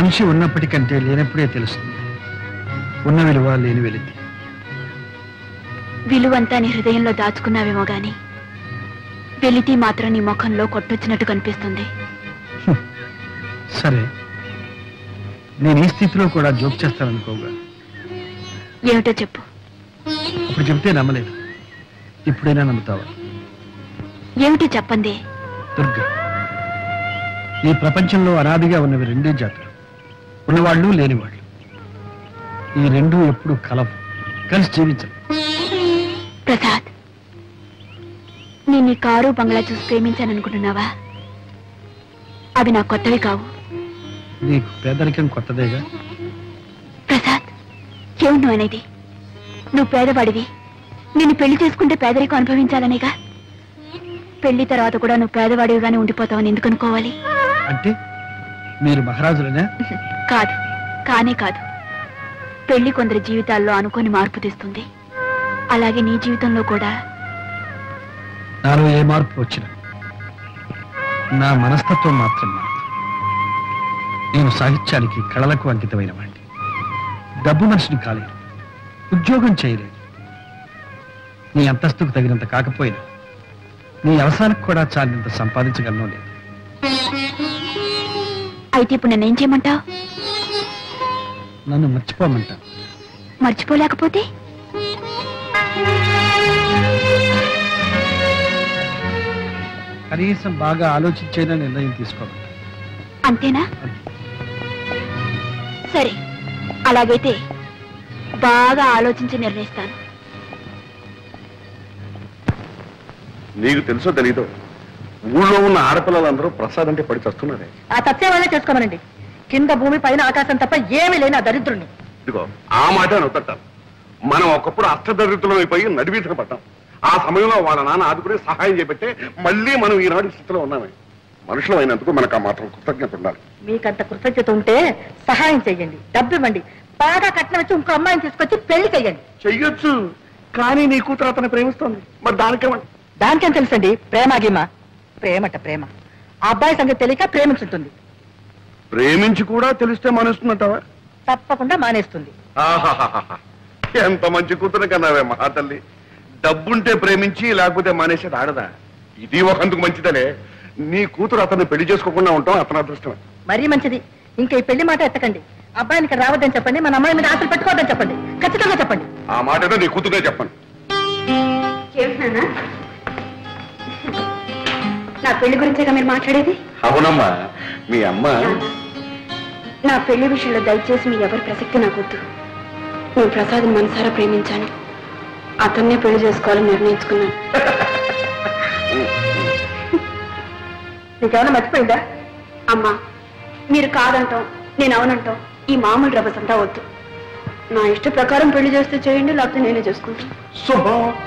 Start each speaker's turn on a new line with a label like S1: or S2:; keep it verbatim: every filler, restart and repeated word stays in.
S1: మనిషి ఉన్నప్పటికంటే లేనప్పుడే తెలుస్తుంది ఉన్న విలువ లేని వెలితి.
S2: విలువంతా నీ హృదయంలో దాచుకున్నావేమో గాని వెలితి మాత్రం నీ ముఖంలో కొట్టొచ్చినట్టు కనిపిస్తుంది.
S1: సరే, నేను ఈ స్థితిలో కూడా జోక్ చేస్తాననుకోగా.
S2: ఏమిటో చెప్పు.
S1: ఇప్పుడు చెప్తే నమ్మలేదు, ఇప్పుడైనా నమ్ముతావా?
S2: ఏమిటో చెప్పండి.
S1: దుర్గా, ఈ ప్రపంచంలో అనాదిగా ఉన్నవి రెండే జాతులు, ఉన్నవాళ్ళు లేనివాళ్ళు. ఈ రెండు ఎప్పుడు కలవు, కలిసి జీవించరు.
S2: ప్రసాద్, నేను నీ కారు బంగ్లా చూసి ప్రేమించాననుకుంటున్నావా? అవి నాకు కొత్తవి కావు.
S1: నీకు పేదరికం కొత్తదేగా.
S2: ప్రసాద్, ఏమి నువ్వు అనేది? నువ్వు పేదవాడివి, నిన్ను పెళ్లి చేసుకుంటే పేదరికం అనుభవించాలనేగా. పెళ్లి తర్వాత కూడా నువ్వు పేదవాడివిగానే ఉండిపోతావని ఎందుకు అనుకోవాలి?
S1: అంటే మీరు మహారాజులనే?
S2: కాదు, కానే కాదు. పెళ్లి కొందరి జీవితాల్లో అనుకోని మార్పు తెస్తుంది. అలాగే నీ జీవితంలో కూడా.
S1: నాలో ఏ మార్పు వచ్చినా నా మనస్తత్వం మాత్రం మాత్రం. నేను సాహిత్యానికి, కళలకు అంకితమైన వాడిని. డబ్బు మనిషిని కాలేదు, ఉద్యోగం చేయలేదు. నీ అంతస్తుకు తగినంత కాకపోయినా నీ అవసరానికి కూడా చాలినంత సంపాదించగలను లేదు.
S2: అయితే ఇప్పుడు నన్నేం చేయమంటావు?
S1: నన్ను మర్చిపోమంటా.
S2: మర్చిపోలేకపోతే?
S1: కనీసం బాగా ఆలోచించేనా నిర్ణయం తీసుకోమంటా.
S2: అంతేనా? సరే, అలాగైతే బాగా ఆలోచించి నిర్ణయిస్తాను.
S3: నీకు తెలుసో తెలీదో, ఊళ్ళో ఉన్న ఆడపిల్లలందరూ ప్రసాద్ అంటే పడి చస్తున్నారే.
S4: ఆ తత్వ వాళ్ళే చేసుకోమనండి. కింద భూమి పైన ఆకాశం తప్ప ఏమీ లేని ఆ దరిద్రుణ్ణి.
S3: ఇదిగో ఆ మాట నొత్తట్టాను. మనం ఒకప్పుడు అష్టదరిద్రులం అయిపోయి నడివీధన పడ్డాం. ఆ సమయంలో వాళ్ళ నాన్న ఆదుకుని సహాయం చేపట్టే మళ్ళీ మనం ఈనాడు స్థితిలో ఉన్నామే. మనుషులు అయినందుకు మనకు ఆ మాత్రం కృతజ్ఞత ఉండాలి.
S4: మీకంత కృతజ్ఞత ఉంటే సహాయం చెయ్యండి, డబ్బు ఇవ్వండి, బాగా కట్నం వచ్చి ఇంకో అమ్మాయిని తీసుకొచ్చి పెళ్లి చెయ్యండి.
S3: చెయ్యొచ్చు, కానీ నీ కూతురు అతను ప్రేమిస్తోంది. మరి దానికేమండి?
S4: దానికేం తెలుసండి? ప్రేమ గీమ. ప్రేమట ప్రేమ. ఆ అబ్బాయి సంగతి తెలియక ప్రేమించుంటుంది.
S3: ప్రేమించి కూడా తెలిస్తే మానేస్తుందంటావా?
S4: తప్పకుండా మానేస్తుంది.
S3: ఆహాహాహా, ఎంత మంచి కూతురు కన్నావే మహా తల్లి. డబ్బుంటే ప్రేమించి లేకపోతే మానేసేది ఆడదా? ఇది ఒకందుకు మంచిదనే. నీ కూతురు అతన్ని పెళ్లి చేసుకోకుండా ఉంటాం అతని అదృష్టమే.
S4: మరీ మంచిది. ఇంకా ఈ పెళ్లి మాట ఎత్తకండి. అబ్బాయిని ఇక్కడ రావద్దని చెప్పండి, మన అమ్మాయి మీద ఆశలు పెట్టుకోవద్దని చెప్పండి. ఖచ్చితంగా చెప్పండి.
S3: ఆ మాట ఏదో నీ కూతురే చెప్పండి.
S2: నా పెళ్లి గురించేగా మీరు మాట్లాడేది?
S3: అవునమ్మా, మీ అమ్మ.
S2: నా పెళ్లి విషయంలో దయచేసి మీ ఎవరి ప్రసక్తి నాకొద్దు. నేను ప్రసాద్ని మనసారా ప్రేమించాను, అతన్నే పెళ్లి చేసుకోవాలని నిర్ణయించుకున్నాను.
S4: నీకేమైనా మర్చిపోయిందా?
S2: అమ్మా, మీరు కాదంటాం, నేను అవునంటాం, ఈ మామూలు రభసంతా వద్దు. నా ఇష్ట ప్రకారం పెళ్లి చేస్తే చేయండి, లేకపోతే నేనే చేసుకుంటాను.
S3: శుభం.